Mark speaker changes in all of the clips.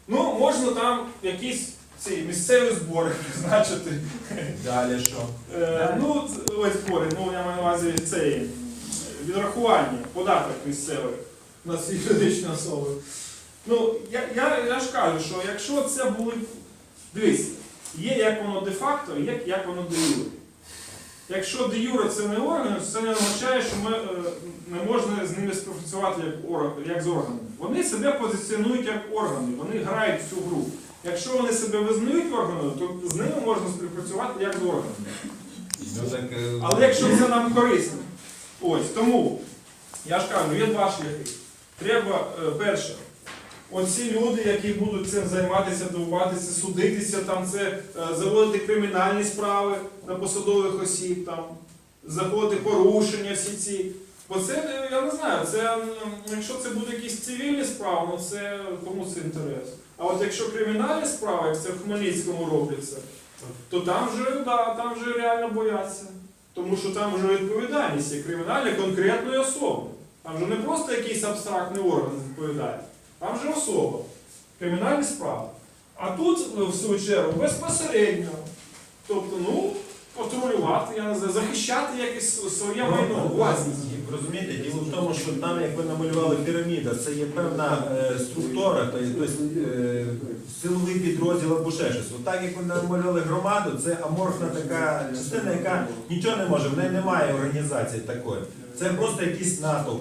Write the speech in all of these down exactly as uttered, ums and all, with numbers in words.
Speaker 1: Ну, можна там якісь ці місцеві збори призначити.
Speaker 2: Далі що?
Speaker 1: Е, ну, ось збори, ну я маю на увазі цей відрахування, податок місцевий на всі юридичні особи. Ну, я, я, я ж кажу, що якщо це були... Дивіться, є як воно де-факто, є як воно де-юре. Якщо де-юре це не органи, то це не означає, що ми, е, не можна з ними співпрацювати як, орг, як з органами. Вони себе позиціонують як органи, вони грають в цю гру. Якщо вони себе визнають органами, то з ними можна співпрацювати як з органами.
Speaker 2: Ну, так, е,
Speaker 1: Але якщо це нам корисно. Ось, тому, я ж кажу, є два шляхи. Треба, е, перше, оці люди, які будуть цим займатися, довбатися, судитися, там це, е, заводити кримінальні справи на посадових осіб, там, заходити порушення всі ці. Бо це, я не знаю, це, м, якщо це будуть якісь цивільні справи, ну це кому це інтерес. А от якщо кримінальні справи, як це в Хмельницькому робиться, то там вже, да, там вже реально бояться. Тому що там вже відповідальність є кримінальна конкретної особи. Там вже не просто якийсь абстрактний орган відповідає. Там вже особа. Кримінальні справи. А тут, в свою чергу, безпосередньо. Тобто, ну, патрулювати, я не знаю, захищати якесь своє майно, власність.
Speaker 2: Розумієте, діло в тому, що там, як ви намалювали піраміда, це є певна е, структура, тобто е, силовий підрозділ або ще щось. Отак, як ви намалювали громаду, це аморфна така частина, яка нічого не може, в неї немає організації такої. Це просто якийсь натовп.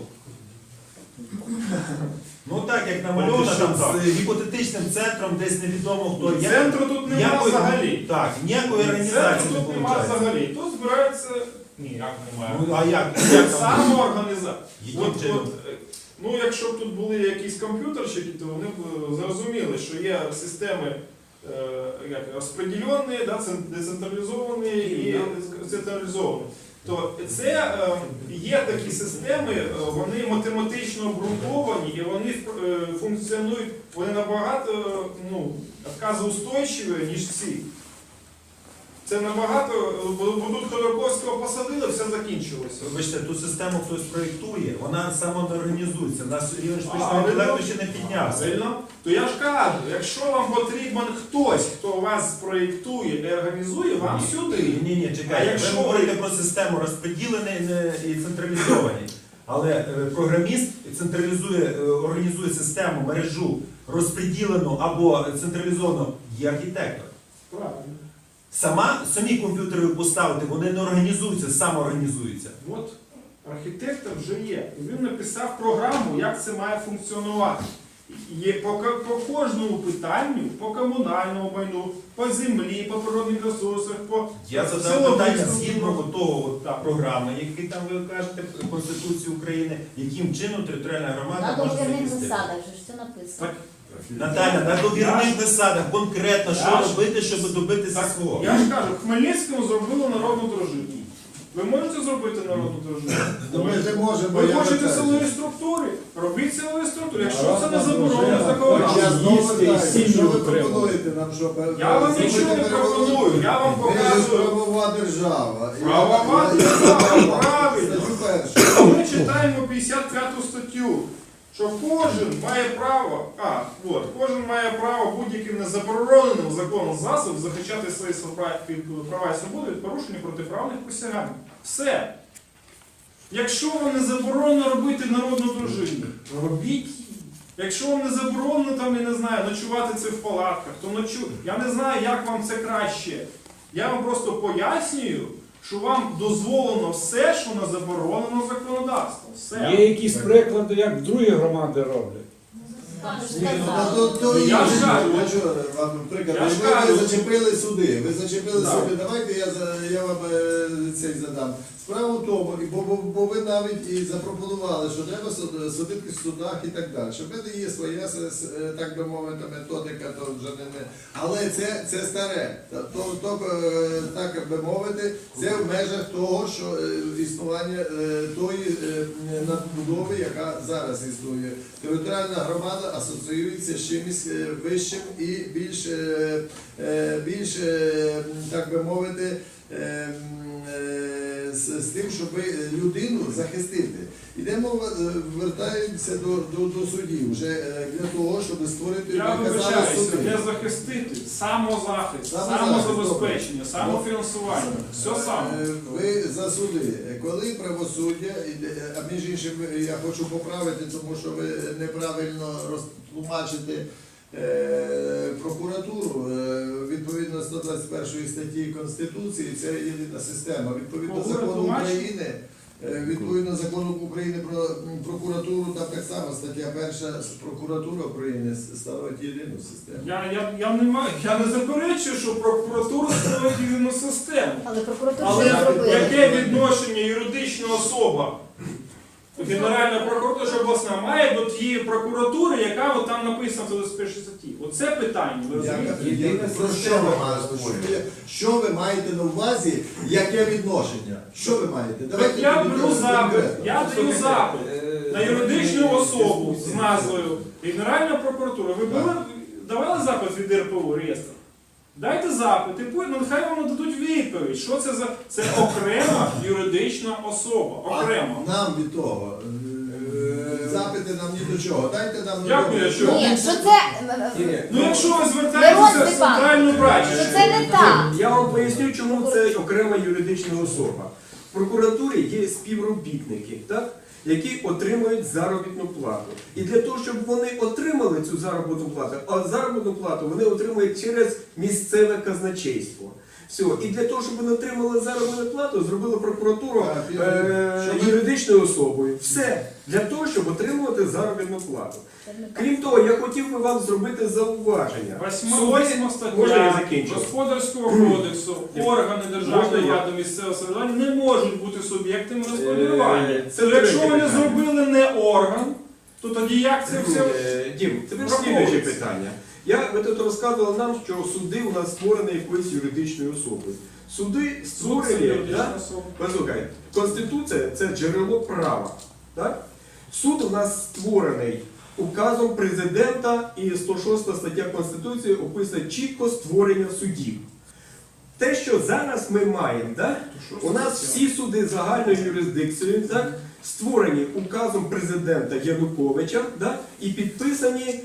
Speaker 2: Ну так, як намальовано, там з гіпотетичним центром, десь невідомо хто.
Speaker 1: Центру тут немає взагалі.
Speaker 2: Так, ніякої організації
Speaker 1: Центру
Speaker 2: не
Speaker 1: тут немає
Speaker 2: виходить.
Speaker 1: взагалі. Тут збирається... Ні, як немає.
Speaker 2: Ну, а як? як там?
Speaker 1: Самоорганізація.
Speaker 2: Яким
Speaker 1: От,
Speaker 2: чином?
Speaker 1: от, е, ну, якщо б тут були якісь комп'ютерщики, то вони б е, зрозуміли, що є системи е, як, розподілені, да, цен- децентралізовані і централізовані. То це е, є такі системи, е, вони математично обґрунтовані і вони е, функціонують, вони набагато е, ну, відказоустойчиві, ніж ці. Це набагато, бо тут Ходорковського посадили, все закінчилося.
Speaker 2: Вибачте, ту систему хтось проєктує, вона сама не організується. У нас рівень
Speaker 1: А,
Speaker 2: штучного
Speaker 1: ви
Speaker 2: інтелекту
Speaker 1: ну,
Speaker 2: ще не піднявся.
Speaker 1: Правильно? То я ж кажу, якщо вам потрібен хтось, хто вас проєктує і організує, вам
Speaker 2: Ні.
Speaker 1: сюди.
Speaker 2: Ні, ні,
Speaker 1: А
Speaker 2: чекайте.
Speaker 1: якщо
Speaker 2: Ви
Speaker 1: ви-
Speaker 2: говорите про систему розподілений не- і централізований. Але е, програміст централізує, е, організує систему, мережу розподілену або централізовану, є архітектор.
Speaker 1: Правильно.
Speaker 2: Сама, самі комп'ютери поставити, вони не організуються, самоорганізуються.
Speaker 1: От архітектор вже є. І він написав програму, як це має функціонувати. Є по, ко- по кожному питанню, по комунальному майну, по землі, по природних ресурсах, по
Speaker 2: Я задав
Speaker 1: силовим
Speaker 2: питання
Speaker 1: структурам.
Speaker 2: згідно того от,
Speaker 1: Так.
Speaker 2: програми, які там ви кажете, Конституції України, яким чином територіальна громада
Speaker 3: На
Speaker 2: може
Speaker 3: договірних
Speaker 2: захистити.
Speaker 3: засадах же ж все написано.
Speaker 1: Так,
Speaker 2: Наталя, на довірних засадах конкретно, що
Speaker 1: Я ж-
Speaker 2: робити, щоб добитися
Speaker 1: так,
Speaker 2: свого.
Speaker 1: я ж кажу, в Хмельницькому зробили народну дружину. Ви можете зробити народну дружину?
Speaker 4: Ми не можемо.
Speaker 1: Ви
Speaker 4: я
Speaker 1: хочете
Speaker 4: питаю.
Speaker 1: силові структури? Робіть силові структури. Якщо це не
Speaker 4: Народна
Speaker 1: заборонено
Speaker 4: дружина.
Speaker 1: законодавством.
Speaker 4: Я знову
Speaker 5: Їсти і
Speaker 4: питаю,
Speaker 5: сім'ю
Speaker 4: що ви
Speaker 5: утримувати.
Speaker 4: пропонуєте нам, що
Speaker 1: Я вам
Speaker 4: зробити
Speaker 1: нічого не
Speaker 4: переворот?
Speaker 1: пропоную, я вам
Speaker 4: Ви ж
Speaker 1: показую.
Speaker 4: правова держава. Я-
Speaker 1: Правова
Speaker 4: я- я-
Speaker 1: держава,
Speaker 4: я-
Speaker 1: правильно.
Speaker 4: Статтю першу.
Speaker 1: Ми читаємо п'ятдесят п'яту статтю, що кожен має право, а, от, кожен має право будь-яким незабороненим законом засобом захищати свої права і свободи від порушення протиправних посягань. Все. Якщо вам не заборонено робити народну дружину, робіть її. Якщо вам не заборонено, там, я не знаю, ночувати це в палатках, то ночу. Я не знаю, як вам це краще. Я вам просто пояснюю, що вам дозволено все, що не заборонено законодавством. Все.
Speaker 5: Є якісь приклади, як другі громади роблять.
Speaker 3: Вам же ж
Speaker 4: Ні, ну,
Speaker 3: сказали.
Speaker 4: то- то
Speaker 1: Ну, я
Speaker 4: інше.
Speaker 1: ж кажу.
Speaker 4: Я чого вам приклад?
Speaker 1: Я ж
Speaker 4: Ви- Ви
Speaker 1: кажу.
Speaker 4: зачепили суди. Ви зачепили
Speaker 1: Так.
Speaker 4: суди. Давайте я, за- я вам е, цей задам. Справа в тому, і бо, бо, бо ви навіть і запропонували, що треба суд- судити в судах і так далі. Що в мене є своя, с- с- е, так би мовити, методика, то вже не, не. Але це, це старе. Та- То, то, е, так би мовити, це в межах того, що е, існування е, тої е, надбудови, яка зараз існує. Територіальна громада асоціюється з чимось е, вищим і більш, е, е, більш е, так би мовити, е, е, з, з тим, щоб людину захистити. Ідемо, е, вертаємося до, до, до судів вже е, для того, щоб створити,
Speaker 1: Я
Speaker 4: як казали,
Speaker 1: вибачаюся,
Speaker 4: суди.
Speaker 1: не захистити, самозахист,
Speaker 4: Самозахист,
Speaker 1: самозабезпечення, самофінансування. Все саме.
Speaker 4: Е, Ви за суди. Коли правосуддя, іде- а між іншим я хочу поправити, тому що ви неправильно розтлумачите е, прокуратуру. Е, Відповідно сто двадцять першої статті Конституції, це єдина система. Відповідно
Speaker 1: Кого
Speaker 4: закону
Speaker 1: тлумачите?
Speaker 4: України, е, відповідно закону України про м, прокуратуру, там так само стаття перша, прокуратура України становить єдину систему.
Speaker 1: Я, я, я, не маю, я не заперечую, що прокуратура ставить єдину систему.
Speaker 3: Але прокуратура
Speaker 1: Але
Speaker 3: вже зробила.
Speaker 1: яке відношення юридична особа, Генеральна прокуратура чи обласна, має до тієї прокуратури, яка от там написана в двадцять першій статті? Оце питання, ви розумієте?
Speaker 4: Я- я- Про що ви маєте? Що ви- Що ви маєте на увазі? Яке відношення? Що ви маєте?
Speaker 1: Так я
Speaker 4: тоді
Speaker 1: беру запит,
Speaker 4: конкретно.
Speaker 1: я даю запит на юридичну особу з назвою Генеральна прокуратура. Ви були, давали запит від Р П У реєстр? Дайте запит, і потім, ну, нехай вам нададуть відповідь. Що це за це окрема юридична особа. Окремо.
Speaker 4: А нам від того. е, Запити нам ні до чого. Дайте нам
Speaker 1: Як ні до чого?
Speaker 3: Ні, що це... е,
Speaker 1: Ну якщо ви
Speaker 3: Мирон
Speaker 1: звертаєтеся в
Speaker 3: Степанович,
Speaker 1: центральну
Speaker 3: що
Speaker 1: прачечну,
Speaker 3: це не так.
Speaker 6: Я вам поясню, чому це окрема юридична особа. В прокуратурі є співробітники, так, які отримують заробітну плату. І для того, щоб вони отримали цю заробітну плату, а заробітну плату вони отримують через місцеве казначейство. Все. І для того, щоб вони отримали заробітну плату, зробили прокуратуру
Speaker 4: Так,
Speaker 6: е-
Speaker 4: щоб ви-
Speaker 6: юридичною особою. Все. Для того, щоб отримувати заробітну плату. Крім того, я хотів би вам зробити зауваження.
Speaker 1: восьма
Speaker 6: Суди-
Speaker 1: восьма
Speaker 6: Можна я
Speaker 1: стаття
Speaker 6: закінчу?
Speaker 1: Господарського кодексу, органи
Speaker 6: Можна
Speaker 1: державної
Speaker 6: я?
Speaker 1: влади місцевого самоврядування не можуть бути суб'єктами господарювання.
Speaker 6: Е, це
Speaker 1: То якщо
Speaker 6: третє
Speaker 1: вони
Speaker 6: питання.
Speaker 1: зробили не орган, то тоді як це все?
Speaker 6: Е, Дім, тепер
Speaker 1: враховується?
Speaker 6: слідуюче питання. Я, ви тут розказували нам, що суди у нас створені якоюсь юридичною особою. Суди
Speaker 1: Суд це
Speaker 6: створені,
Speaker 1: юридична
Speaker 6: да?
Speaker 1: особа.
Speaker 6: Послухай, Конституція це джерело права. Так? Суд у нас створений указом президента, і сто шоста стаття Конституції описує чітко створення судів. Те, що зараз ми маємо, да? у нас всі суди загальною юрисдикцією, так? створені указом президента Януковича, да? і підписані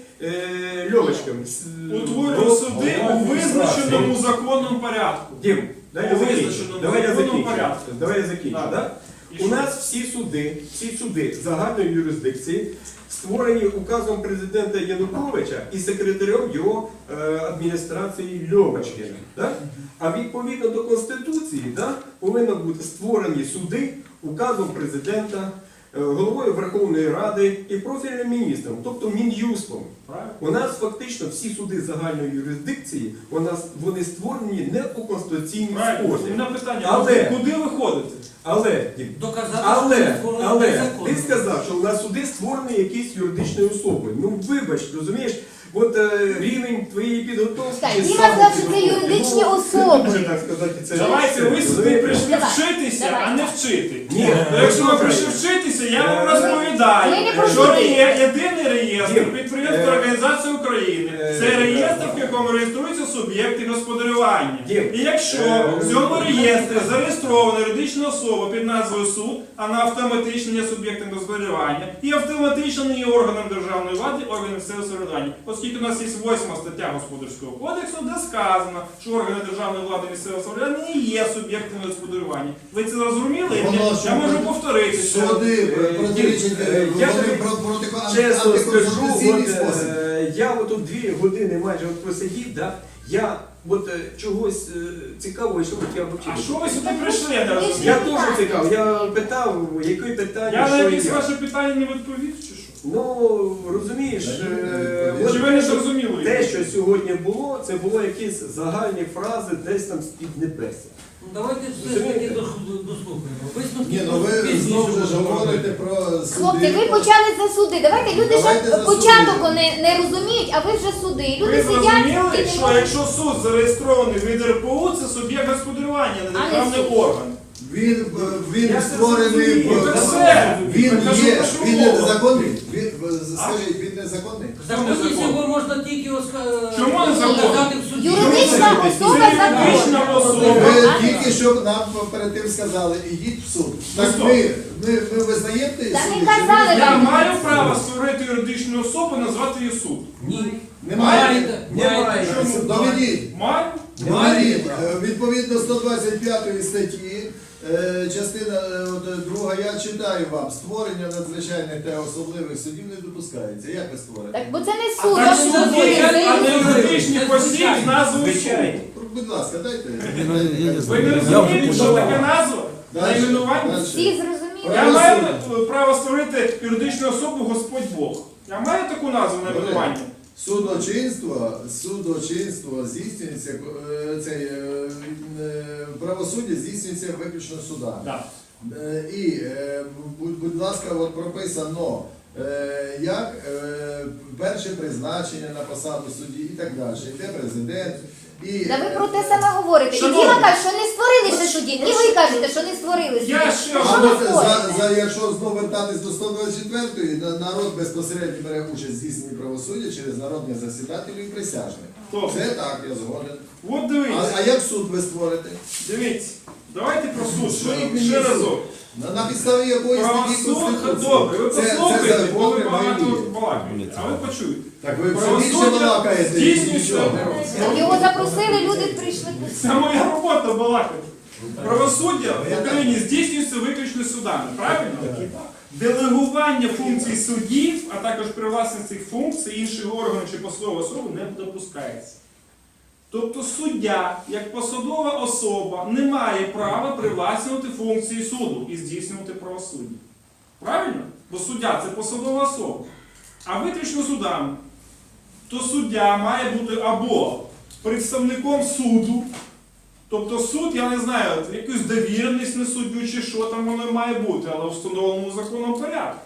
Speaker 6: е, Льовочком.
Speaker 1: Утворюють суди у визначеному законному порядку.
Speaker 6: Дім, дай я
Speaker 1: У
Speaker 6: закінчу.
Speaker 1: визначеному
Speaker 6: Давай я
Speaker 1: законному
Speaker 6: закінчу.
Speaker 1: порядку.
Speaker 6: Давай я закінчу.
Speaker 1: Так.
Speaker 6: Да?
Speaker 1: І
Speaker 6: У
Speaker 1: що?
Speaker 6: нас всі суди, всі суди загальної юрисдикції створені указом президента Януковича і секретарем його е, адміністрації Льовочкина. Да? А відповідно до Конституції да, повинні бути створені суди указом президента, е, головою Верховної Ради і профільним міністром, тобто Мін'юстом.
Speaker 1: Правильно?
Speaker 6: У нас фактично всі суди загальної юрисдикції, у нас, вони створені не у конституційній
Speaker 1: Правильно. У
Speaker 6: спосіб.
Speaker 1: мене питання,
Speaker 6: Але-
Speaker 1: куди ви ходите?
Speaker 6: Але, Дім,
Speaker 7: Доказати,
Speaker 6: але,
Speaker 7: що створено
Speaker 6: але
Speaker 7: незаконно.
Speaker 6: ти сказав, що у нас суди створені якісь юридичною особою. Ну вибач, розумієш, от е, рівень твоєї підготовки.
Speaker 3: Так,
Speaker 6: і
Speaker 3: Діма
Speaker 6: сам
Speaker 3: сказав, що це
Speaker 6: підготовки,
Speaker 3: юридичні
Speaker 6: ну,
Speaker 3: особи.
Speaker 6: Може так сказати, це
Speaker 1: Давайте ви сюди
Speaker 6: розумієте?
Speaker 1: прийшли
Speaker 3: Давай,
Speaker 1: вчитися,
Speaker 3: давай.
Speaker 1: а не вчити.
Speaker 6: Ні,
Speaker 1: Ну, якщо ви
Speaker 6: добре.
Speaker 1: прийшли вчитися, я вам
Speaker 6: Е,
Speaker 1: розповідаю,
Speaker 3: ми не про
Speaker 1: що
Speaker 3: суди.
Speaker 1: є єдиний реєстр
Speaker 6: Дім,
Speaker 1: підприємств
Speaker 6: е,
Speaker 1: організації України.
Speaker 6: е,
Speaker 1: Це реєстр, в якому реєструються суб'єкти господарювання.
Speaker 6: Дім,
Speaker 1: І якщо
Speaker 6: е,
Speaker 1: в цьому реєстрі зареєстрована юридична особа під назвою суд, вона автоматично є суб'єктом господарювання і автоматично не є органом державної влади, органом місцевого самоврядування. Оскільки у нас є восьма стаття Господарського кодексу, де сказано, що органи державної влади і місцевого самоврядування не є суб'єктами господарювання. Ви це зрозуміли?
Speaker 4: Воно,
Speaker 1: Я
Speaker 4: що
Speaker 1: можу
Speaker 4: ви-
Speaker 1: повторити. це.
Speaker 4: Суди
Speaker 6: Е,
Speaker 4: протирічать,
Speaker 6: е, я
Speaker 4: вони
Speaker 6: тобі
Speaker 4: про- проти
Speaker 6: чесно скажу,
Speaker 4: антиконституційний
Speaker 6: от,
Speaker 4: спосіб.
Speaker 6: е, я от дві години майже от просидів, да, я от е, чогось е, цікавого, що от я
Speaker 1: А
Speaker 6: вчив.
Speaker 1: що ви сюди прийшли, я не розумію?
Speaker 6: Я теж цікав, я питав, які питання,
Speaker 1: Я на
Speaker 6: що
Speaker 1: якісь
Speaker 6: і як.
Speaker 1: ваше питання не відповів, чи що?
Speaker 6: Ну, розумієш, е,
Speaker 4: Чи
Speaker 6: от
Speaker 1: Чи ви не
Speaker 6: те, що-
Speaker 1: зрозуміли?
Speaker 6: те, що сьогодні було, це було якісь загальні фрази десь там з-під небеса.
Speaker 7: Ну, давайте все ж таки дос- дослухаємо. Висновки
Speaker 4: Ні, ну ви
Speaker 7: пізніше
Speaker 4: знову ж
Speaker 7: будемо
Speaker 4: говорите
Speaker 7: робити.
Speaker 4: про суди.
Speaker 3: Хлопці, ви почали за суди. Давайте люди
Speaker 4: Давайте
Speaker 3: ще
Speaker 4: за
Speaker 3: початок
Speaker 4: суди.
Speaker 3: не, не розуміють, а ви вже суди. І люди
Speaker 1: Ви
Speaker 3: сидять
Speaker 1: зрозуміли,
Speaker 3: і не
Speaker 1: що
Speaker 3: можуть.
Speaker 1: якщо суд зареєстрований від Р П У, це суб'єкт господарювання, а не
Speaker 3: А не
Speaker 1: державний
Speaker 3: суд.
Speaker 1: орган.
Speaker 4: Він, е, він
Speaker 1: Я це
Speaker 4: створений,
Speaker 1: зрозумів,
Speaker 4: в-
Speaker 1: це все.
Speaker 4: він
Speaker 1: Так, а що
Speaker 4: є,
Speaker 1: про що
Speaker 4: він
Speaker 1: мова?
Speaker 4: незаконний. Він, е, скажіть, він незаконний?
Speaker 7: Законність його можна тільки оска-
Speaker 1: Чому не законно?
Speaker 7: сказати в суді.
Speaker 3: Юридична особа
Speaker 1: Юридична
Speaker 3: законна.
Speaker 1: особа.
Speaker 4: Ви
Speaker 3: А?
Speaker 4: тільки що нам перед тим сказали, ідіть в суд. Так
Speaker 1: Ну,
Speaker 4: ми, ми, ми визнаєте
Speaker 3: Та
Speaker 4: суд?
Speaker 3: не
Speaker 4: чи
Speaker 3: казали,
Speaker 4: ви-
Speaker 1: Я маю право створити юридичну особу, назвати її суд.
Speaker 7: Ні.
Speaker 4: Немає?
Speaker 7: Маєте.
Speaker 2: Немає.
Speaker 1: Чому?
Speaker 4: Доведіть.
Speaker 1: Маю?
Speaker 4: Доведіть. Е, Відповідно сто двадцять п'ятої статті, е, частина е, от, друга, я читаю вам, створення надзвичайних та особливих судів не допускається. Як ви створите?
Speaker 3: Так, бо це не
Speaker 1: А
Speaker 3: суд,
Speaker 1: так
Speaker 3: а
Speaker 1: суд
Speaker 3: суд.
Speaker 1: є, а не
Speaker 7: Це
Speaker 1: юридичний
Speaker 7: звичайно.
Speaker 1: посіб з назвою
Speaker 2: Звичайно.
Speaker 1: суду.
Speaker 4: Будь ласка, дайте.
Speaker 1: Ви не розумієте, що таке назва?
Speaker 4: Дальше,
Speaker 1: Найменування?
Speaker 4: дальше.
Speaker 3: Всі зрозуміли.
Speaker 1: Я маю право створити юридичну особу Господь Бог. Я маю таку назву найменування?
Speaker 4: Судочинство, судочинство здійснюється, е, цей, е, е, правосуддя здійснюється виключно судами.
Speaker 1: Так.
Speaker 4: Е, І, е, будь, будь ласка, от прописано, е, як е, перше призначення на посаду судді і так далі. Йде президент. І,
Speaker 3: Та ви про те саме говорите. І
Speaker 1: Шановні.
Speaker 3: Діма каже, що не створили ще судді. І ви кажете, що не створили судді.
Speaker 1: Я ще
Speaker 3: Що
Speaker 4: А
Speaker 3: ви
Speaker 4: от за,
Speaker 3: говорите?
Speaker 4: за, якщо знову вертатись до сто двадцять четвертої, на- народ безпосередньо бере участь в здійсненні правосуддя через народних засідателів і присяжних.
Speaker 1: Хто?
Speaker 4: Це так, я згоден.
Speaker 1: От
Speaker 4: А,
Speaker 1: дивіться,
Speaker 4: а як суд ви створите?
Speaker 1: дивіться. Давайте про суд.
Speaker 4: Що
Speaker 1: Ще,
Speaker 4: мені
Speaker 1: ще
Speaker 4: суд?
Speaker 1: разок.
Speaker 4: На, на підставі якої статті
Speaker 1: Правосуддя,
Speaker 4: Конституції?
Speaker 1: добре, ви
Speaker 4: Це, це
Speaker 1: послухайте, бо
Speaker 4: закон
Speaker 1: ви
Speaker 4: прямої
Speaker 1: багато
Speaker 4: дії.
Speaker 1: балакаєте. А ви почуєте.
Speaker 4: Так ви все більше
Speaker 1: Правосуддя
Speaker 4: балакаєте.
Speaker 1: здійснюється.
Speaker 3: Так його запросили, люди прийшли.
Speaker 1: Це моя робота балакати. Правосуддя в Україні здійснюється виключно судами, правильно? Делегування функцій суддів, а також привласнення цих функцій інших органів чи посадових особи не допускається. Тобто суддя, як посадова особа, не має права привласнювати функції суду і здійснювати правосуддя. Правильно? Бо суддя це посадова особа. А виключно судами, то суддя має бути або представником суду, тобто суд, я не знаю, якусь довіреність на суддю чи що там воно має бути, але в встановленому законом порядку.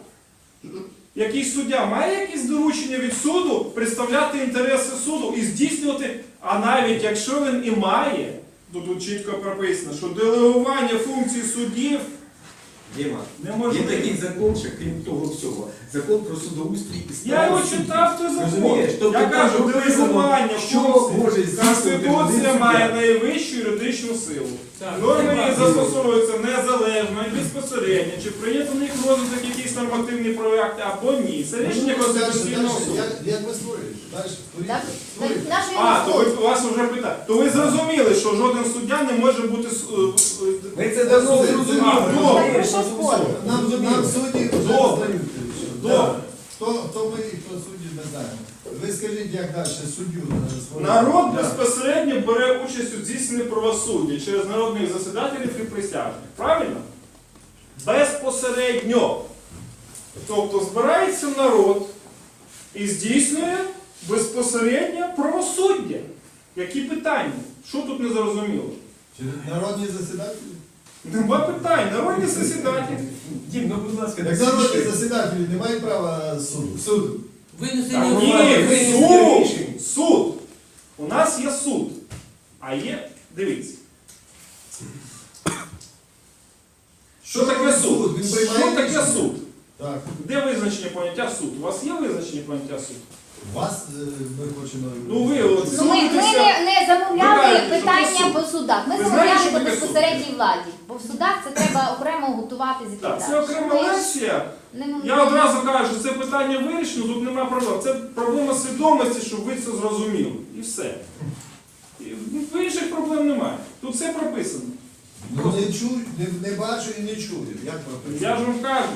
Speaker 1: Якийсь суддя має якісь доручення від суду представляти інтереси суду і здійснювати, а навіть якщо він і має, то тут чітко прописано, що делегування функцій суддів
Speaker 2: Діма,
Speaker 1: не
Speaker 2: є
Speaker 1: може
Speaker 2: такий закон, що крім того всього, закон про судоустрій і статус
Speaker 1: Я його
Speaker 2: суддів.
Speaker 1: читав, той закон.
Speaker 2: Розумієш? Тобто
Speaker 1: Я
Speaker 2: там
Speaker 1: кажу,
Speaker 2: прописано,
Speaker 1: делегування
Speaker 2: що
Speaker 1: функцій.
Speaker 2: може здійснювати
Speaker 1: Конституція
Speaker 2: один
Speaker 1: має
Speaker 2: суддя.
Speaker 1: найвищу юридичну силу.
Speaker 7: Так,
Speaker 1: Норми
Speaker 7: це
Speaker 1: її
Speaker 7: правда.
Speaker 1: застосовуються незалежно і безпосередньо, чи прийнято в них розвиток якісь нормативні проекти або ні. Це рішення
Speaker 4: Ну, дальше,
Speaker 1: Конституційного
Speaker 4: дальше.
Speaker 1: суду.
Speaker 4: Як, як ви створюєте? Далі створіть.
Speaker 3: Так,
Speaker 4: Створіть.
Speaker 3: так, нашої
Speaker 1: А, то ви,
Speaker 3: не
Speaker 1: вас вже питають. То ви зрозуміли, що жоден суддя не може бути... с- е, е,
Speaker 2: Ми це давно
Speaker 4: Це-
Speaker 2: зрозуміли.
Speaker 1: А, добре.
Speaker 3: Так, що спорить?
Speaker 4: Нам, нам судді вже
Speaker 1: Добре.
Speaker 4: здають.
Speaker 1: Добре.
Speaker 4: Хто, хто ми і хто судді, не знаємо. Ви скажіть, як далі суддю е, створити?
Speaker 1: Народ
Speaker 4: Да.
Speaker 1: безпосередньо бере участь у здійсненні правосуддя через народних засідателів і присяжних. Правильно? Безпосередньо. Тобто збирається народ і здійснює безпосередньо правосуддя. Які питання? Що тут не зрозуміло?
Speaker 4: Чи народні засідателі?
Speaker 1: Нема питань. Народні засідателі.
Speaker 2: Дім, ну будь ласка,
Speaker 4: Так
Speaker 2: не
Speaker 4: народні
Speaker 2: сміши.
Speaker 4: засідателі не мають права суду.
Speaker 2: Суд.
Speaker 7: Винесення
Speaker 1: Ні,
Speaker 7: ухвали.
Speaker 1: суд! Суд! У нас є суд. А є, дивіться. Що таке суд?
Speaker 4: Він
Speaker 1: Що
Speaker 4: приймає
Speaker 1: таке
Speaker 4: рішення?
Speaker 1: суд?
Speaker 4: Так.
Speaker 1: Де визначення поняття суд? У вас є визначення поняття суд?
Speaker 4: Вас е, ми хочемо...
Speaker 1: Ну ви от
Speaker 3: Ну, ми, ми
Speaker 1: судитеся.
Speaker 3: не, не замовляли
Speaker 1: Знаєте, що
Speaker 3: питання
Speaker 1: таке
Speaker 3: по
Speaker 1: суд?
Speaker 3: судах. Ми
Speaker 1: Ви
Speaker 3: замовляли
Speaker 1: знаєте, що
Speaker 3: по
Speaker 1: таке суд?
Speaker 3: безпосередній владі. Бо в судах це треба окремо готувати з
Speaker 1: Так, це окрема лекція.
Speaker 3: Не-
Speaker 1: Я одразу кажу, що це питання вирішено, тут немає проблем. Це проблема свідомості, щоб ви це зрозуміли. І все. І в інших проблем немає. Тут все прописано.
Speaker 4: Ну, не чую, не, не бачу і не чую. Як прописано?
Speaker 1: Я ж вам кажу.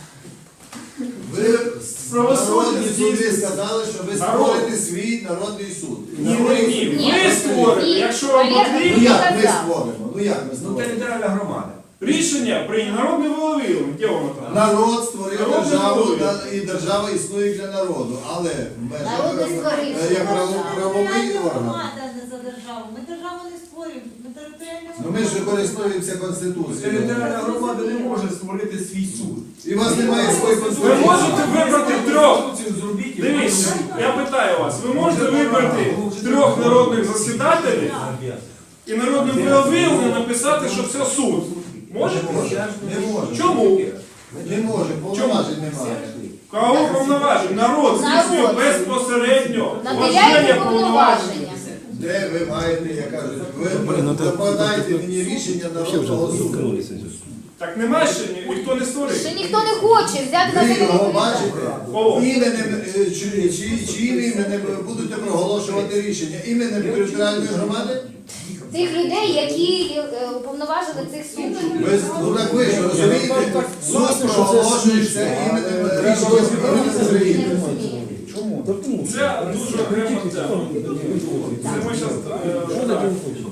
Speaker 4: Ви
Speaker 1: Правосуддя
Speaker 4: народні суди
Speaker 1: здійснюється.
Speaker 4: сказали, що ви
Speaker 1: Народ.
Speaker 4: створите свій народний суд.
Speaker 1: Ні, ні, ні.
Speaker 3: Ні,
Speaker 1: Ви створите,
Speaker 3: ні.
Speaker 1: якщо вам
Speaker 3: Валерій,
Speaker 4: Ну
Speaker 1: потрібно.
Speaker 4: як ми
Speaker 3: казав.
Speaker 4: створимо? Ну як ми
Speaker 2: Ну,
Speaker 4: створимо?
Speaker 2: територіальна громада.
Speaker 1: Рішення прийняли народне волевиявлення. Де воно там?
Speaker 4: Народ створив
Speaker 1: Народ
Speaker 4: державу,
Speaker 1: створив.
Speaker 4: та- і держава існує для народу. Але в межах
Speaker 3: Народ не
Speaker 4: е,
Speaker 3: створив.
Speaker 4: е, як право- правовий
Speaker 8: Територіальна
Speaker 4: орган.
Speaker 8: громада не за державу. Ми державу не створюємо. Ми територіальну
Speaker 4: Ну ми ж
Speaker 8: громаду.
Speaker 4: користуємося Конституцією.
Speaker 2: Територіальна громада не може створити свій суд.
Speaker 4: І у вас немає своєї
Speaker 1: Ви
Speaker 4: Конституції.
Speaker 1: можете вибрати трьох.
Speaker 2: Конституцію зробіть і
Speaker 1: Дивіться,
Speaker 2: потім-
Speaker 1: я питаю вас, ви можете вибрати трьох народних засідателів і народним волевиявленням написати, що це суд. Можете?
Speaker 4: Не може.
Speaker 1: Чому?
Speaker 4: Не може, повноважень немає.
Speaker 1: Кого повноважень? Народ здійснює
Speaker 3: Народ.
Speaker 1: безпосередньо
Speaker 3: Наділяйте
Speaker 1: вважання
Speaker 3: повноваження.
Speaker 4: Де ви маєте, я кажу, ви подайте мені рішення народного суду.
Speaker 1: Так нема ще, ні- ніхто не створив.
Speaker 3: Ще ніхто не хоче взяти на
Speaker 4: Ви
Speaker 3: себе
Speaker 4: його
Speaker 3: відповідальність.
Speaker 4: бачите? Іменем, е, чи, чи, чиїм іменем будете проголошувати рішення? Іменем територіальної громади?
Speaker 3: Тих людей, які е, уповноважили цих суддів.
Speaker 4: Ви, ну так ви ж розумієте, суд проголошується іменем рішення
Speaker 3: Не
Speaker 4: України.
Speaker 3: розумію.
Speaker 5: Чому?
Speaker 1: Це дуже окрема тема. Це ми зараз.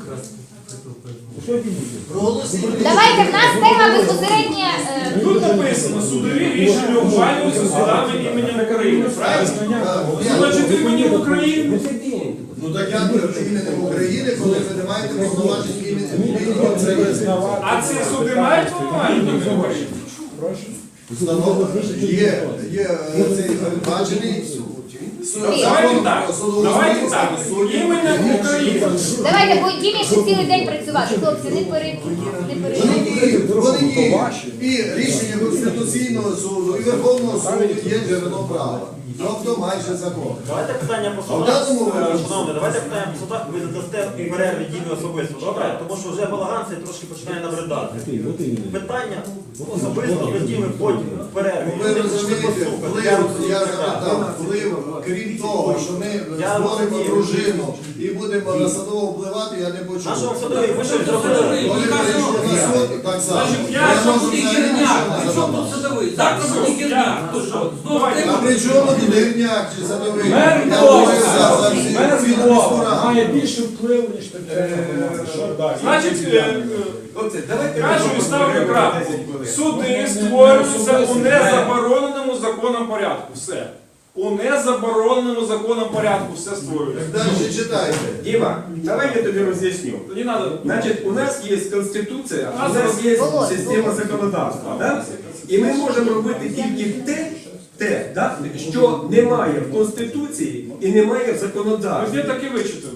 Speaker 4: Проголосуйте.
Speaker 3: Давайте, в нас тема безпосередньо. е,
Speaker 1: Тут написано, судові рішення ухвалюються судами іменем України. Правильно?
Speaker 4: Так, я-
Speaker 1: Значить, іменем України.
Speaker 4: Ну так як ви іменем України, коли ви не маєте повноважень іменем іменем України?
Speaker 1: А ці суди мають повноваження іменем України?
Speaker 4: Встановлено, є, є е, цей передбачений суд.
Speaker 1: Давайте так. Давайте так. Іменем України.
Speaker 3: Давайте, бо Дімі ще цілий день працювати. Хлопці, не переб... не
Speaker 4: Вони
Speaker 3: переб...
Speaker 4: діють, вони діють. І рішення Конституційного суду, і Верховного суду є джерело права. Тобто майже закон.
Speaker 9: Давайте питання по
Speaker 4: А в
Speaker 9: судах.
Speaker 4: даному випадку-
Speaker 9: Шановні, давайте питання по судах, ви задасте перерві Дімі особисто, добре? Тому що вже балаган цей трошки починає набридати. Питання особисто до Діми потім в перерві.
Speaker 4: Ви
Speaker 9: Вони
Speaker 4: розумієте,
Speaker 9: прийшли послухати.
Speaker 4: вплив,
Speaker 9: Я
Speaker 4: я
Speaker 9: розумію, так.
Speaker 4: запитав, вплив, крім того, що ми
Speaker 9: Я
Speaker 4: створимо
Speaker 9: розумію.
Speaker 4: дружину і будемо на садово впливати, я не почув.
Speaker 9: Нашого садові, ви що зробили?
Speaker 4: Коли перейшло на суд, так само.
Speaker 1: Значить, я
Speaker 4: Я
Speaker 1: що
Speaker 4: можу
Speaker 7: Буде
Speaker 4: взагалі
Speaker 7: гірняк,
Speaker 4: нічого
Speaker 7: при
Speaker 4: не
Speaker 7: чому тут
Speaker 4: задати.
Speaker 7: садовий? Завтра буде гірняк. То що? Знову
Speaker 1: Давайте.
Speaker 4: А
Speaker 7: треба.
Speaker 4: при чому тут гірняк чи садовий?
Speaker 5: Мер
Speaker 4: Я
Speaker 5: Львова,
Speaker 4: говорю за- за всі-
Speaker 5: мер
Speaker 4: всі
Speaker 5: Львова
Speaker 4: міську
Speaker 5: має
Speaker 4: раду.
Speaker 5: більше впливу, ніж територіальна. Що далі?
Speaker 1: Значить, е, е,
Speaker 6: Оце, давайте
Speaker 1: кажу і ставлю крапку. Суди створюються у незабороненому законом порядку. Все. У незабороненому законом порядку все створюється.
Speaker 4: Далі читайте.
Speaker 6: Діма, давай я тобі роз'ясню.
Speaker 1: Тоді треба.
Speaker 6: Значить, у нас є Конституція, у нас є
Speaker 3: Володь,
Speaker 6: система
Speaker 3: Володь.
Speaker 6: законодавства. Да? І ми можемо робити тільки те, те да? що немає в Конституції і немає в
Speaker 1: Ви
Speaker 6: законодавстві.
Speaker 1: де таки вичитали?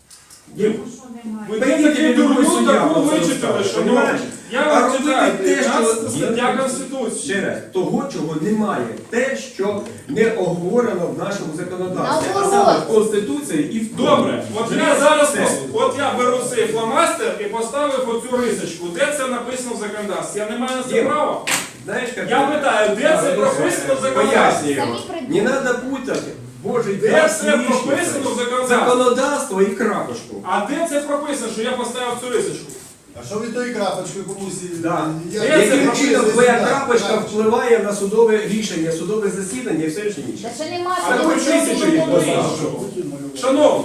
Speaker 6: Дім,
Speaker 1: Ви де
Speaker 6: Поїдете
Speaker 1: таки
Speaker 6: в любу
Speaker 1: дурню
Speaker 6: суддю,
Speaker 1: таку
Speaker 6: просто
Speaker 1: вичитали,
Speaker 6: розставиш,
Speaker 1: що ну,
Speaker 6: понімаєш?
Speaker 1: я
Speaker 6: А
Speaker 1: вам
Speaker 6: робити
Speaker 1: читаю,
Speaker 6: те, що-
Speaker 1: п'ятнадцята стаття Конституції.
Speaker 6: Ще раз, того, чого немає, те, що не оговорено в нашому законодавстві, а
Speaker 3: Наоборот.
Speaker 6: саме в Конституції і в
Speaker 1: Добре, от я зараз
Speaker 6: Все.
Speaker 1: пос- от я беру цей фломастер і поставив оцю рисочку. Де це написано в законодавстві? Я не маю на це
Speaker 6: Дім,
Speaker 1: права.
Speaker 6: Знаєш, як
Speaker 1: Я питаю, де це прописано в законодавстві?
Speaker 6: пояснюю.
Speaker 3: Самі
Speaker 6: Не
Speaker 3: придумали.
Speaker 6: треба путати. Боже,
Speaker 1: Де
Speaker 6: я
Speaker 1: це прописано в законодавстві?
Speaker 6: законодавство і крапочку.
Speaker 1: А де це прописано, що я поставив цю рисочку?
Speaker 4: А що ви тою крапочкою комусь?
Speaker 6: Да.
Speaker 4: Я-
Speaker 1: Де це
Speaker 6: Яким
Speaker 1: прописано?
Speaker 6: чином твоя
Speaker 4: Так,
Speaker 6: крапочка
Speaker 4: так.
Speaker 6: впливає на судове рішення, судове засідання і все інше інше?
Speaker 3: Та ще нема
Speaker 1: А ви
Speaker 3: судового
Speaker 1: чуєте, що
Speaker 3: рішення.
Speaker 1: я говорю? Шановні,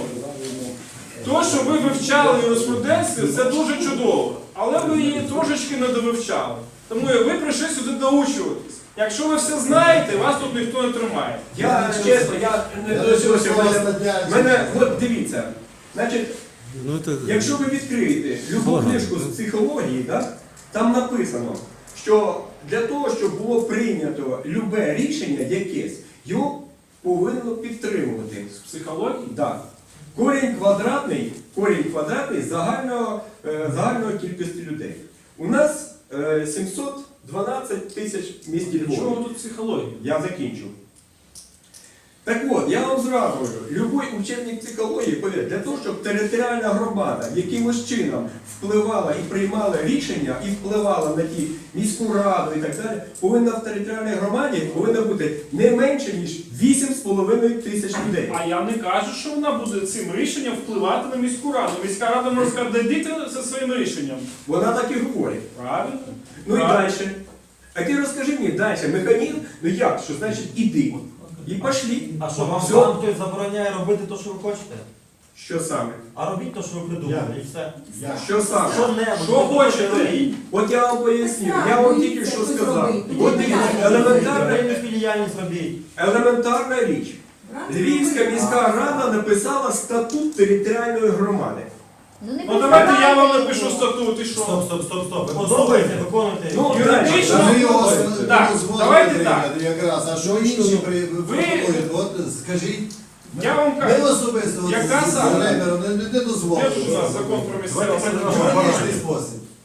Speaker 1: то, що ви вивчали юриспруденцію, це дуже чудово. Але ви її трошечки не довивчали. Тому ви прийшли сюди доучуватись. Якщо ви все знаєте, вас тут ніхто не тримає.
Speaker 6: Я чесно, я не
Speaker 4: Я
Speaker 6: дочувся.
Speaker 4: не чув,
Speaker 6: Мене,
Speaker 4: стаття.
Speaker 6: мене, от дивіться, значить, якщо ви відкриєте любу книжку з психології, да, там написано, що для того, щоб було прийнято любе рішення якесь, його повинно підтримувати.
Speaker 1: З психології?
Speaker 6: Да. Корінь квадратний, корінь квадратний загального, е, загальної кількості людей. У нас е, сімсот дванадцять тисяч в місті
Speaker 1: Чого
Speaker 6: Львові.
Speaker 1: тут психологія?
Speaker 6: Я закінчу. Так от, я вам зразу кажу, любой учебник психології, повірте, для того, щоб територіальна громада якимось чином впливала і приймала рішення, і впливала на ті міську раду і так далі, повинна в територіальній громаді повинна бути не менше, ніж вісім з половиною тисяч людей.
Speaker 1: А я не кажу, що вона буде цим рішенням впливати на міську раду. Міська рада може сказати, дійдіть за своїм рішенням.
Speaker 6: Вона так і говорить.
Speaker 1: Правильно?
Speaker 6: Ну і
Speaker 1: Правильно.
Speaker 6: далі. А ти розкажи мені далі, механізм, ну як, що значить іди. І пішли.
Speaker 9: А що, вам
Speaker 6: Все.
Speaker 9: вам хтось забороняє робити те, що ви хочете?
Speaker 6: Що саме?
Speaker 9: А робіть те, що ви придумали, і все.
Speaker 4: Я.
Speaker 6: Що саме?
Speaker 9: Що-небудь.
Speaker 1: Що хочете?
Speaker 6: От я вам поясню, я вам тільки що сказав. От дивіться, елементарна,
Speaker 9: Елементарну діяльність робіть.
Speaker 6: елементарна річ. Львівська міська рада написала статут територіальної громади.
Speaker 3: Ну, не
Speaker 1: Ну давайте я вам
Speaker 3: присягайте
Speaker 1: напишу
Speaker 3: його.
Speaker 1: статут і що?
Speaker 9: Стоп, стоп, стоп, стоп. Ви подобається, виконуйте.
Speaker 6: Ну,
Speaker 1: Юридично.
Speaker 4: Та ми його
Speaker 1: Так,
Speaker 4: дозволили
Speaker 1: давайте
Speaker 4: прийняти якраз. А що інші при-
Speaker 1: Ви-
Speaker 4: пропонують? От скажіть.
Speaker 1: Я вам
Speaker 4: Ми
Speaker 1: кажу,
Speaker 4: особисто от
Speaker 1: Яка
Speaker 4: з
Speaker 1: саме?
Speaker 4: Володимиром не, не
Speaker 1: де тут у
Speaker 4: дозволили.
Speaker 1: нас закон про місцеве
Speaker 9: Давайте
Speaker 1: самоврядування?
Speaker 4: Юридичний спосіб.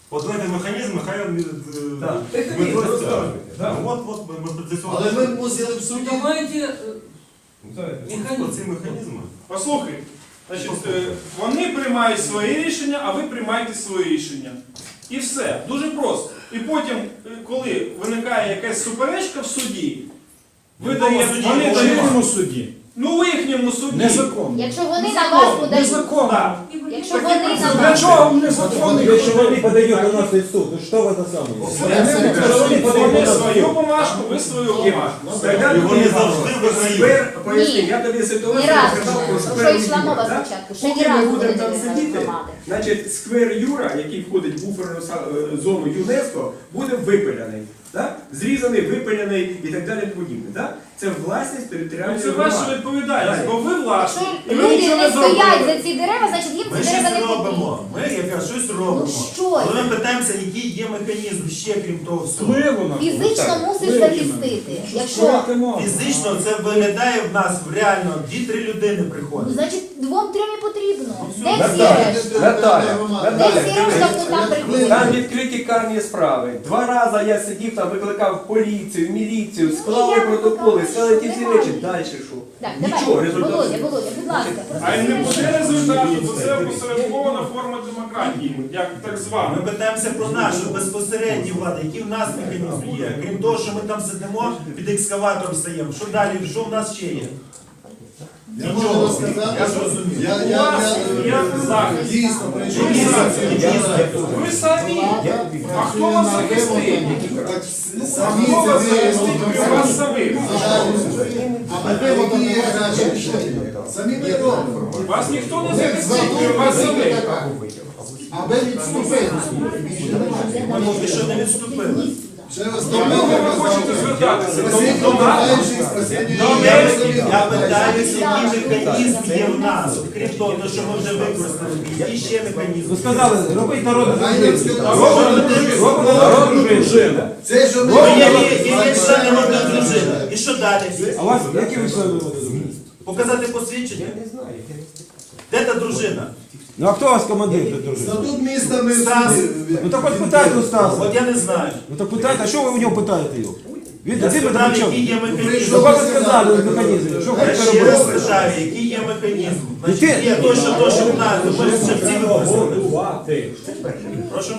Speaker 2: От давайте механізми, хай він, е,
Speaker 6: Так.
Speaker 2: ми
Speaker 6: Технічно
Speaker 2: просто-
Speaker 6: розказуйте.
Speaker 2: Да, От, от ми, ми для цього.
Speaker 4: Але ми мусили в суді.
Speaker 7: Давайте е,
Speaker 2: Механізм. Ці механізми.
Speaker 1: Послухайте, значить, е, вони приймають свої рішення, а ви приймаєте свої рішення. І все. Дуже просто. І потім, е, коли виникає якась суперечка в суді, ви
Speaker 2: В якому
Speaker 1: даєте,
Speaker 2: суді?
Speaker 1: вони
Speaker 2: В
Speaker 1: дають,
Speaker 5: Чинному суді.
Speaker 1: ну, в їхньому суді.
Speaker 5: Незаконно.
Speaker 3: Якщо вони на вас подають,
Speaker 5: Незаконно.
Speaker 1: Так.
Speaker 3: якщо вони на
Speaker 5: Для
Speaker 3: вас,
Speaker 5: чого незаконно?
Speaker 10: Если они подают на нас в суд, то что в это самое?
Speaker 1: Вони свою бумажку, ви свою бумажку.
Speaker 6: Тогда
Speaker 2: І вони
Speaker 6: тобі
Speaker 2: завжди виграють.
Speaker 6: сквер, поясни,
Speaker 3: Ні.
Speaker 6: я тобі
Speaker 3: ні
Speaker 6: ситуацію
Speaker 3: разу
Speaker 6: розказав про
Speaker 3: не,
Speaker 6: сквер
Speaker 3: про що йшла
Speaker 6: Юра,
Speaker 3: мова
Speaker 6: так?
Speaker 3: спочатку, ще
Speaker 6: Поки
Speaker 3: ні
Speaker 6: ми
Speaker 3: разу не
Speaker 6: будемо там
Speaker 3: виграли
Speaker 6: сидіти,
Speaker 3: громади.
Speaker 6: значить, сквер Юра, який входить в буферну са- е, зону ЮНЕСКО, буде випиляний. Так? Зрізаний, випиляний і так далі подібне. Так? Це власність
Speaker 1: Ну,
Speaker 6: територіальної
Speaker 1: це ваша
Speaker 6: громади.
Speaker 1: відповідальність, бо ви
Speaker 3: Якщо
Speaker 1: власні. І ви
Speaker 3: люди
Speaker 1: нічого
Speaker 3: не
Speaker 1: не зробили.
Speaker 3: стоять за ці дерева, значить їм
Speaker 2: Ми
Speaker 3: ці дерева
Speaker 2: щось
Speaker 3: не
Speaker 2: робимо.
Speaker 3: потрібні.
Speaker 2: Ми якраз щось робимо.
Speaker 3: Ну що?
Speaker 2: Коли ми питаємося, який є механізм ще крім того всього.
Speaker 5: Впливу на
Speaker 3: Фізично мусиш
Speaker 5: Впливу
Speaker 3: захистити.
Speaker 5: на-
Speaker 3: Якщо,
Speaker 5: Створити можна.
Speaker 2: Фізично це виглядає в нас реально дві-три людини
Speaker 3: ну,
Speaker 2: приходять.
Speaker 3: значить, двом-трьом і потрібно. Де всі
Speaker 6: Наталя,
Speaker 3: решта?
Speaker 6: Наталя,
Speaker 3: Де
Speaker 6: Наталя,
Speaker 3: всі решта, хто там
Speaker 6: там
Speaker 3: приходить?
Speaker 6: відкриті карні справи. Два рази я сидів там, викликав поліцію, міліцію,
Speaker 3: Ну,
Speaker 6: склали
Speaker 3: я
Speaker 6: протоколи,
Speaker 3: викликала,
Speaker 6: склали ті
Speaker 3: що
Speaker 6: всі
Speaker 3: немає.
Speaker 6: речі. Далі що?
Speaker 3: Так,
Speaker 6: Нічого,
Speaker 3: давай,
Speaker 6: результату.
Speaker 3: Володя, Володя, будь ласка. просто
Speaker 1: А й не
Speaker 3: всі
Speaker 1: буде
Speaker 3: решта.
Speaker 1: результату, бо це опосередкована форма демократії, як так
Speaker 2: Ми
Speaker 1: звана.
Speaker 2: питаємося про нашу безпосередню владу, які в нас механізми є. Крім того, що ми там сидимо, під екскаватором стаємо. Що далі? Що в нас ще є?
Speaker 4: Я можу розказати,
Speaker 2: Я
Speaker 4: що
Speaker 2: зрозумів.
Speaker 4: я,
Speaker 1: У
Speaker 4: я,
Speaker 1: вас
Speaker 4: я,
Speaker 1: є захист.
Speaker 4: дійсно прийшов
Speaker 1: Ви
Speaker 4: в
Speaker 1: самі.
Speaker 4: ситуацію.
Speaker 1: Ви самі. А хто вас захистить?
Speaker 4: Так,
Speaker 1: А
Speaker 4: самі
Speaker 1: хто
Speaker 4: це
Speaker 1: вас
Speaker 4: ви
Speaker 1: захистить? Ви вас самих.
Speaker 4: А ми які є краще рішення? Самі ми робимо.
Speaker 1: Вас ніхто не захистить, ви вас самих.
Speaker 4: Аби відступити.
Speaker 2: Ми поки що не відступили.
Speaker 4: Ще раз
Speaker 1: Тому ви хочете звертатися до до нас.
Speaker 2: Я питаюся, який механізм є в нас. Крім того, що ми вже використали, які ще механізми.
Speaker 10: Вы сказали, робить народу
Speaker 2: Робимо
Speaker 10: народну дружину.
Speaker 4: Це що ми
Speaker 2: Ну, є, є, є, є члени народної дружини. І що далі?
Speaker 10: А у вас які ви члени народу дружини?
Speaker 2: Показати посвідчення? Де та дружина?
Speaker 10: Ну а хто у вас командир до дружини?
Speaker 4: Статут міста ми
Speaker 2: Стас.
Speaker 10: Ну так от питайте у Стаса.
Speaker 2: От я не знаю.
Speaker 10: Ну так питайте, а що ви у нього питаєте його? Він
Speaker 2: Я
Speaker 10: він
Speaker 2: спитав,
Speaker 10: там
Speaker 2: який є
Speaker 10: Ну
Speaker 2: механізм.
Speaker 10: вам сказали механізм. Що
Speaker 2: Я
Speaker 10: хочете
Speaker 2: ще раз
Speaker 10: робити?
Speaker 2: питаю, який є механізм. Значить,
Speaker 10: Який?
Speaker 2: є то, що то, що в нас. Ми ж вже всі використали.
Speaker 5: Готувати.
Speaker 2: Прошу.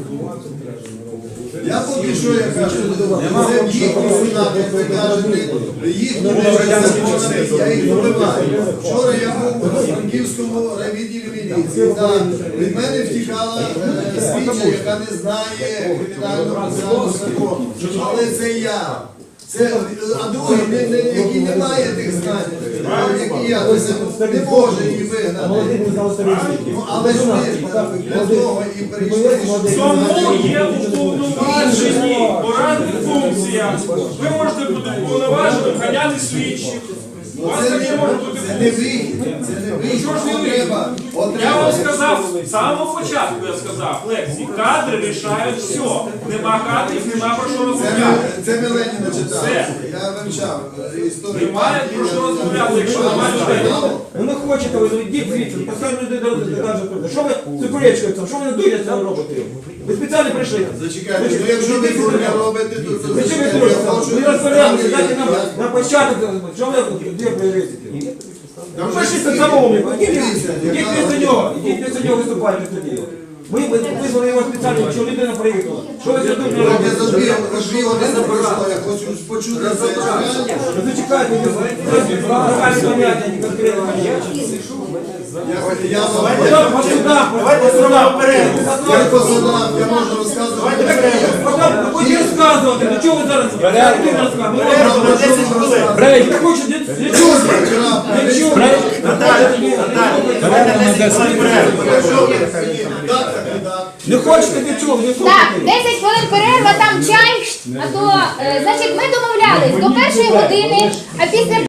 Speaker 4: Я поки що я кажу, це їхні суда, як ви кажете, їхні закони, я їх вбиваю. Вчора я був у Франківському райвідділі міліції. Так, від мене втікала е, слідча, яка не знає кримінального процесуального закону. Але це я. Це, а другий, не, не, який не має тих знань, е, які я, це не може її вигнати. Ну, але ж ми для того і прийшли.
Speaker 1: Тому є уповноважені порадні функція. Ви можете бути уповноваженим ганяти слідчих. У вас
Speaker 4: Це
Speaker 1: таке
Speaker 4: не,
Speaker 1: може бути
Speaker 4: це не вихід, це не вихід.
Speaker 1: Чого ж не
Speaker 4: От
Speaker 1: вихід?
Speaker 4: треба, от
Speaker 1: Я вам
Speaker 4: треба.
Speaker 1: сказав, з самого початку я сказав, лекції, кадри рішають все. Нема кадрів, нема про що
Speaker 4: Це,
Speaker 1: розмовляти.
Speaker 4: ми- це ми Леніна читали.
Speaker 1: Все.
Speaker 4: Я вивчав е, історію.
Speaker 1: Немає про що розмовляти, якщо немає людей.
Speaker 10: Ну не хочете, ви ну йдіть звідси, поставте людей до каже, що ви суперечкою, що ви не дуєте робите? Ви спеціально прийшли.
Speaker 4: Зачекайте, ну якщо ви дурня робите, то то
Speaker 10: Ви чим ви
Speaker 4: я
Speaker 10: дуєте?
Speaker 4: хочу-
Speaker 10: Ви розпорядку, дайте нам
Speaker 4: Я-
Speaker 10: на початок, що ви де ви ризики?
Speaker 4: Там
Speaker 10: Ви
Speaker 4: же
Speaker 10: пишіться
Speaker 4: всі-
Speaker 10: замовника, ідіть
Speaker 4: Дивіться,
Speaker 10: ідіть
Speaker 4: яка-
Speaker 10: після нього, ідіть після нього виступайте тоді. Ми визвали його спеціально, що людина приїхала. Що ви сюди
Speaker 4: Я
Speaker 10: робите?
Speaker 4: за дві дві години пройшло, я хочу почути це.
Speaker 10: Ви зачекайте, загальні поняття, не конкретно поняття.
Speaker 4: Я, я,
Speaker 10: Потім по судам,
Speaker 2: Давайте зробимо перерву.
Speaker 4: я по судам, я можу розказувати.
Speaker 10: потім будете розказувати, ну чого ви зараз? Перерву розказуєте?
Speaker 2: Перерву на десять хвилин.
Speaker 10: Брейк, не хочете? Не чувствую. Не чувствую.
Speaker 2: Наталя, Наталя, давайте десять хвилин перерву.
Speaker 4: Так, так, так.
Speaker 10: Не хочете від чого? Не
Speaker 3: Так,
Speaker 10: слухайте.
Speaker 3: десять хвилин перерва, там чай. А то, е, значить, ми домовлялись до першої години, а після